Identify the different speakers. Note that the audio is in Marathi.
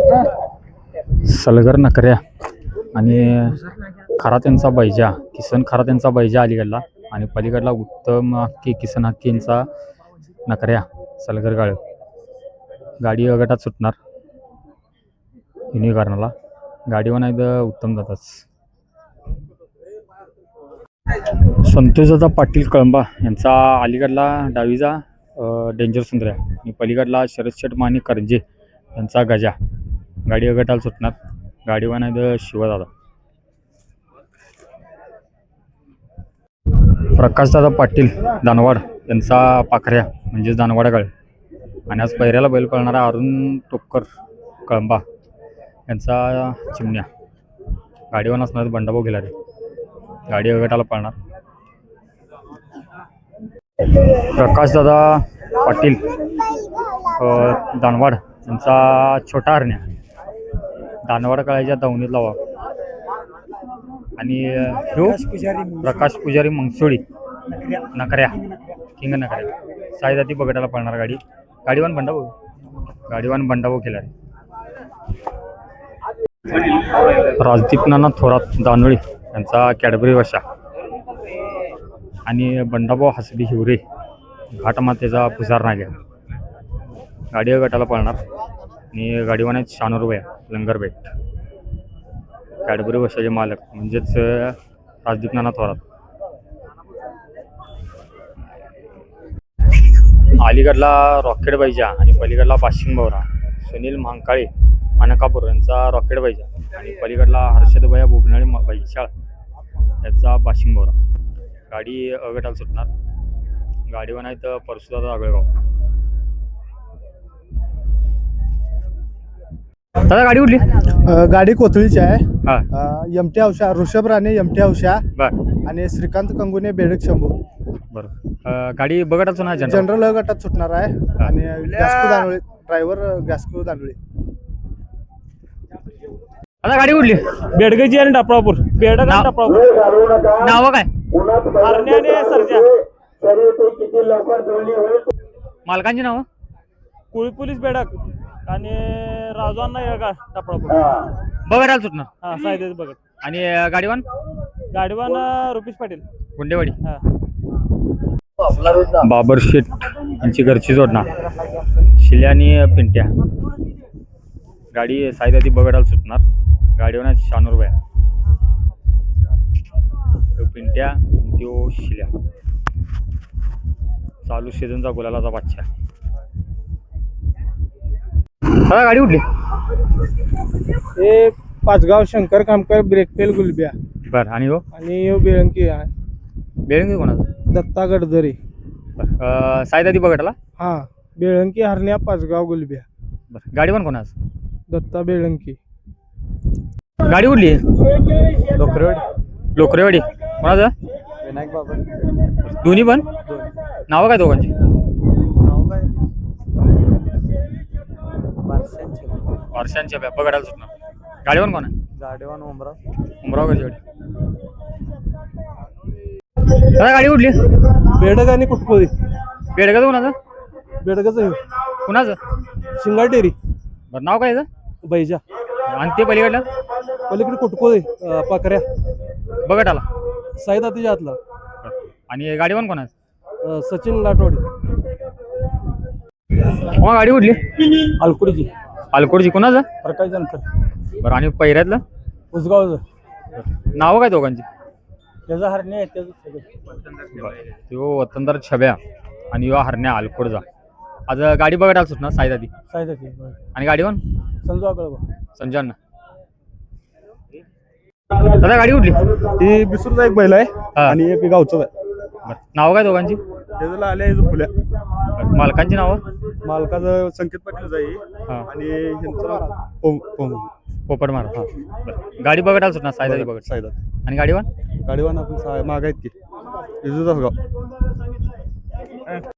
Speaker 1: सलगर नकऱ्या आणि खरा त्यांचा बैजा किसन खरा त्यांचा बैजा अलीकडला आणि पलीकडला उत्तम हक्की किसन हक्कींचा नकऱ्या सलगर गाळ गाडी गटात सुटणार युनिकॉर्नरला गाडीवर नाही तर उत्तम जातच संतोषदादा पाटील कळंबा यांचा अलीकडला डावीचा डेंजर सुंदर्या आणि पलीकडला शरद शेठ माने करंजे यांचा गजा गाडी गटाला सुटणार गाडीवर नाही तर शिवदादा प्रकाशदादा पाटील दानवाड यांचा पाखऱ्या म्हणजेच दानवाडा आणि आज पहिऱ्याला बैल पळणारा अरुण टोपकर कळंबा यांचा चिमण्या गाडीवर असणार बंडाभाऊ गेला रे गाडी गटाला पळणार प्रकाशदादा पाटील दानवाड यांचा छोटा हरण्या दानवाड कळायच्या दावणीत लावा आणि प्रकाश पुजारी मंगसोळी नकऱ्या किंग नकऱ्या साईदाती बगटाला पळणार गाडीवान बंडाभाऊ केला राजदीप नाना थोरात दानोळी यांचा कॅडबरी वशा आणि बंडाभाऊ हसबी हिवरे घाटमातेचा पुजार नाग्या गाडी गटाला पळणार आणि गाडीवान आहेत शानूरबाई लंगरबेट कॅडबरी वशाचे मालक म्हणजेच राजदीप नाना थोरात अलीकडला रॉकेट बैजा आणि पलीकडला पाशिंग बवरा सुनील महांकाळे मानकापूर यांचा रॉकेट बैजा आणि पलीकडला हर्षदभया बोबनाळे बैशाळ याचा पाशिंग बवरा गाडी अगटाला सुटणार गाडीवर नाही तर परशुदादा आगळगाव दादा गाडी उडली
Speaker 2: गाडी कोथळीची आहे यमटी औषा ऋषभ राणे यमटी औषा आणि श्रीकांत कंगुने बेडक शंभू
Speaker 1: बरं गाडी बघटाच ना
Speaker 2: जनरल गटात सुटणार आहे आणि गॅस्को दानोळे ड्रायव्हर गॅस्को दानोळे
Speaker 1: आता गाडी उडली
Speaker 3: बेडगेची आणि टापरापूर बेडक आणि टापरापूर
Speaker 1: नाव काय
Speaker 3: हरण्याने सरजा
Speaker 1: मालकांची नाव
Speaker 3: कुळी पोलीस बेडक आणि राजवांना येळगा टापरापूर
Speaker 1: बघटाला सुटणार
Speaker 3: हा सायदेच बघत
Speaker 1: आणि गाडीवान
Speaker 3: रुपेश पाटील
Speaker 1: गुंडेवाडी
Speaker 3: हा
Speaker 1: बाबर शेठ यांची घरची जोडणार शिल्या आणि पिंट्या गाडी साईदाती बगडाला सुटणार गाडीवर शानूरबाई तो पिंट्या तो शिल्या चालू सीझनचा गुलालाचा बादशा हा गाडी उठली
Speaker 2: हे पाचगाव शंकर कामकर ब्रेकफेल गुलब्या
Speaker 1: बरं आणि हो
Speaker 2: आणि बेळंकी आहे
Speaker 1: बेळंगी कोणाचं
Speaker 2: दत्ता गडदरी
Speaker 1: बरं साईदाती बगटाला
Speaker 2: हा बेळंकी हरण्या पाचगाव गुलब्या
Speaker 1: बरं गाडी पण कोणाचं
Speaker 2: दत्ता बेळंकी
Speaker 1: गाडी उडली
Speaker 2: लोकरेवाडी
Speaker 1: लोकरेवाडी कोणाचं
Speaker 2: विनायक बाबा
Speaker 1: दोन्ही पण नावं काय दोघांची वर्षांच्या बघायला सुटणार गाडीवर कोण आहे
Speaker 2: गाडीवान
Speaker 1: उमराव गरजेवाडी गाडी उडली
Speaker 2: बेडक आणि कुटपोळी
Speaker 1: बेडगाचं कोणाचं
Speaker 2: बेडकाचं
Speaker 1: कुणाचं
Speaker 2: शिंगाटेरी
Speaker 1: बरं नाव काय याचं
Speaker 2: बैजा
Speaker 1: आणि ते पलीकडलं
Speaker 2: पलीकडे कुटपोळी पाकऱ्या
Speaker 1: बघटाला
Speaker 2: साईदातीच्या हातला
Speaker 1: आणि गाडीवर कोणाचं
Speaker 2: सचिन लाटवाडी
Speaker 1: हो गाडी उडली
Speaker 2: अलकुडीची
Speaker 1: अलकोडची कोणाचं
Speaker 2: प्रकाश जानकर
Speaker 1: बरं आणि पहिऱ्यातलं
Speaker 2: उसगावचं
Speaker 1: नावं काय दोघांची
Speaker 2: त्याचा हरणे आहे त्याचं
Speaker 1: तो वतनदार छब्या आणि युवा हरण्या अलकोडचा आज गाडी बघायला सुटणार साईदाती
Speaker 2: साईदाती
Speaker 1: आणि गाडीवर
Speaker 2: संजू आगळबा
Speaker 1: संजय दादा गाडी उठली
Speaker 2: ही बिसूरचा एक बैल आहे आणि एक गावचं आहे
Speaker 1: बरं नावं काय दोघांची
Speaker 2: त्याला आले फुल्या
Speaker 1: मालकांची नावं
Speaker 2: मालकाचं संकेत पाटील जाई आणि ह्यांचं
Speaker 1: पोपट मार हां बरं गाडी बघायला सुटणार साईदाती बघत
Speaker 2: साईदात
Speaker 1: आणि गाडीवर
Speaker 2: गाडीवान आपण माग आहेत की इजूचा गाव